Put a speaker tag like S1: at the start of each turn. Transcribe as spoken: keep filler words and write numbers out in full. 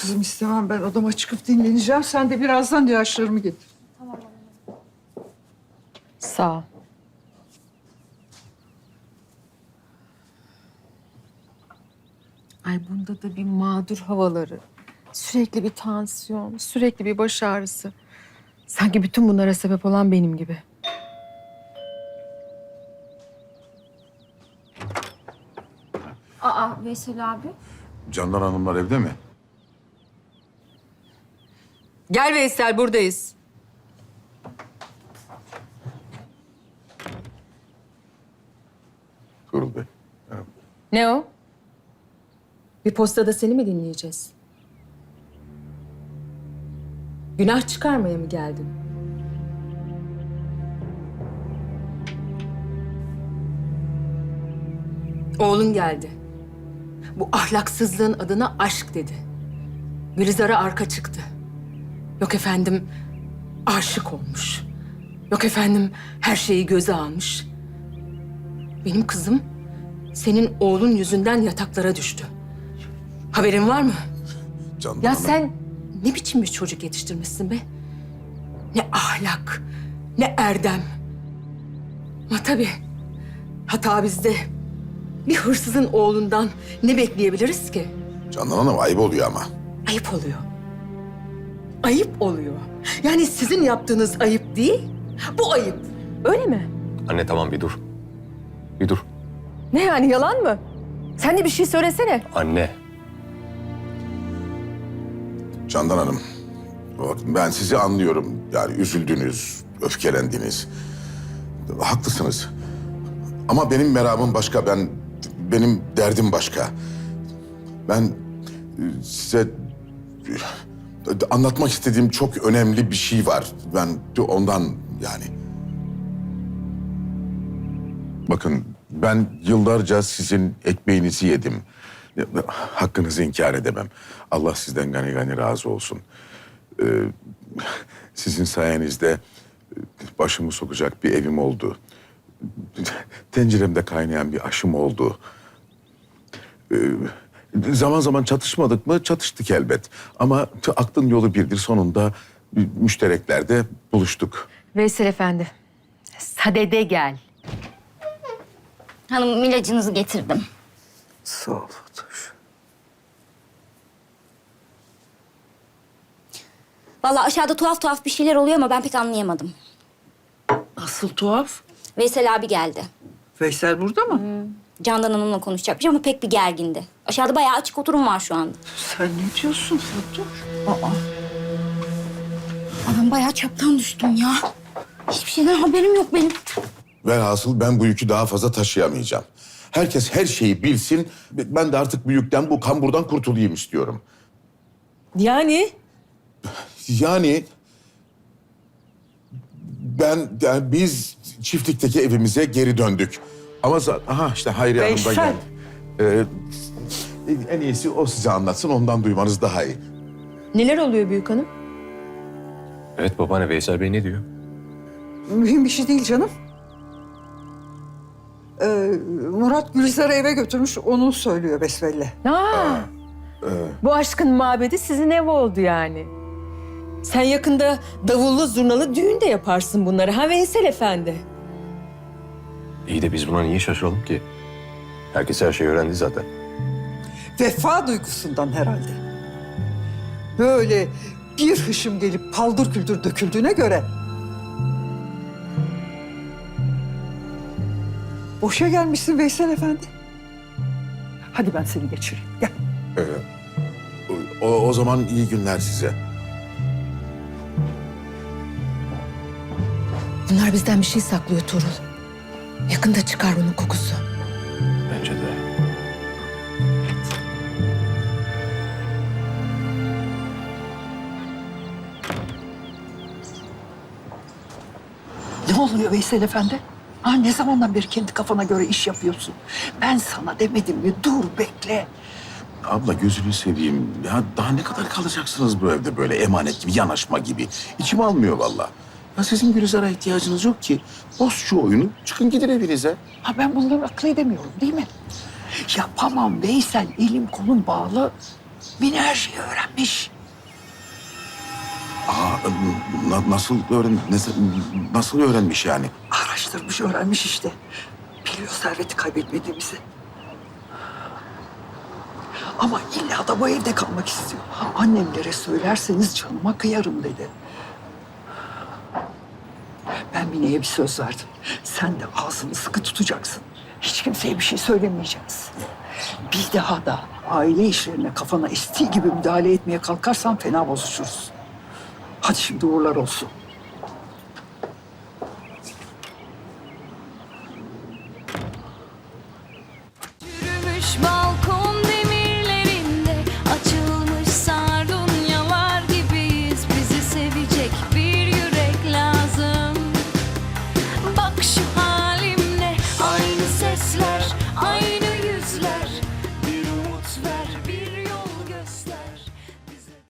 S1: kızım istemem. Ben odama çıkıp dinleneceğim. Sen de birazdan ilaçlarımı getir.
S2: Sağ ol. Ay bunda da bir mağdur havaları. Sürekli bir tansiyon, sürekli bir baş ağrısı. Sanki bütün bunlara sebep olan benim gibi.
S3: Aa Veysel abi.
S4: Candan Hanımlar evde mi?
S2: Gel Veysel, buradayız.
S4: Tuğrul Bey. merhaba.
S2: Ne o? Bir postada seni mi dinleyeceğiz? Günah çıkarmaya mı geldin? Oğlun geldi. Bu ahlaksızlığın adına aşk dedi. Gülizar'a arka çıktı. Yok efendim aşık olmuş. Yok efendim her şeyi göze almış. Benim kızım senin oğlun yüzünden yataklara düştü. Haberin var mı?
S4: Candan
S2: Ya
S4: Hanım.
S2: sen ne biçim bir çocuk yetiştirmişsin be? Ne ahlak, ne erdem. Ama tabii hata bizde. Bir hırsızın oğlundan ne bekleyebiliriz ki?
S4: Candan Hanım ayıp oluyor ama.
S2: Ayıp oluyor. Ayıp oluyor. Yani sizin yaptığınız ayıp değil, bu ayıp. Öyle mi?
S5: Anne tamam bir dur. Bir dur.
S2: Ne yani, yalan mı? Sen de bir şey söylesene.
S5: Anne.
S4: Candan Hanım. bakın Ben sizi anlıyorum. Yani üzüldünüz, öfkelendiniz. Haklısınız. Ama benim meramım başka. Ben benim derdim başka. Ben e, size e, anlatmak istediğim çok önemli bir şey var. Ben de ondan yani. Bakın ben yıllarca sizin ekmeğinizi yedim. Hakkınızı inkar edemem. Allah sizden gani gani razı olsun. Ee, sizin sayenizde başımı sokacak bir evim oldu. Tenceremde kaynayan bir aşım oldu. Ee, zaman zaman çatışmadık mı? Çatıştık elbet. Ama aklın yolu birdir. Sonunda müştereklerde buluştuk.
S2: Veysel Efendi, sadede gel.
S3: Hanım ilacınızı getirdim.
S1: Sağ ol Fatoş.
S3: Vallahi aşağıda tuhaf tuhaf bir şeyler oluyor ama ben pek anlayamadım.
S1: Nasıl tuhaf?
S3: Veysel abi geldi.
S1: Veysel burada mı?
S3: Candan Hanım'la konuşacakmış ama pek bir gergindi. Aşağıda bayağı açık oturum var şu anda.
S1: Sen ne diyorsun Fatoş? Aa.
S3: Aa, ben bayağı çaptan düştüm ya. Hiçbir şeyden haberim yok benim.
S4: Velhasıl ben bu yükü daha fazla taşıyamayacağım. Herkes her şeyi bilsin. Ben de artık bu yükten, bu kamburdan kurtulayım istiyorum.
S2: Yani?
S4: Yani ben, yani biz çiftlikteki evimize geri döndük. Ama za- aha işte Hayriye Hanım da
S1: Veysel.
S4: geldi. Ee, en iyisi o size anlatsın, ondan duymanız daha iyi.
S2: Neler oluyor büyük hanım?
S5: Evet babaanne, Veysel Bey ne diyor?
S1: Mühim bir şey değil canım. Ee, Murat Gülizar'ı eve götürmüş, onu söylüyor besbelli.
S2: Aa, bu aşkın mabedi sizin ev oldu yani. Sen yakında davullu zurnalı düğün de yaparsın bunları ha Veysel Efendi?
S5: İyi de biz buna niye şaşıralım ki? Herkes her şeyi öğrendi zaten.
S1: Vefa duygusundan herhalde. Böyle bir hışım gelip paldır küldür döküldüğüne göre... Boşa gelmişsin Veysel Efendi. Hadi ben seni geçireyim. Gel.
S4: Ee, o, o zaman iyi günler size.
S2: Bunlar bizden bir şey saklıyor Tuğrul. Yakında çıkar bunun kokusu.
S5: Bence de.
S1: Ne oluyor Veysel Efendi? Ha, ne zamandan beri kendi kafana göre iş yapıyorsun? Ben sana demedim mi? Dur, bekle.
S4: Abla gözünü seveyim. Ya daha ne kadar kalacaksınız bu evde böyle emanet gibi, yanaşma gibi? İçim almıyor vallahi. Ya sizin Gülizar'a ihtiyacınız yok ki. Boz şu oyunu, çıkın gidin evinize.
S1: Ha, ben bunları akıl edemiyorum değil mi? Yapamam Veysel, elim kolum bağlı. Mine her şeyi öğrenmiş.
S4: Aa, na- nasıl öğren nasıl, nasıl öğrenmiş yani?
S1: Araştırmış, öğrenmiş işte. Biliyor serveti kaybetmediğimizi. Ama illa da bu evde kalmak istiyor. Annemlere söylerseniz canıma kıyarım dedi. Ben Mine'ye bir söz verdim. Sen de ağzını sıkı tutacaksın. Hiç kimseye bir şey söylemeyeceğiz. Bir daha da aile işlerine kafana estiği gibi müdahale etmeye kalkarsan fena bozuşuruz. Hadi şimdi uğurlar olsun.
S6: Yürümüş balkon demirlerinde açılmış sardunyalar gibiyiz. Bizi sevecek bir yürek lazım. Bak şu halimle aynı sesler, aynı yüzler. Bir umut ver, bir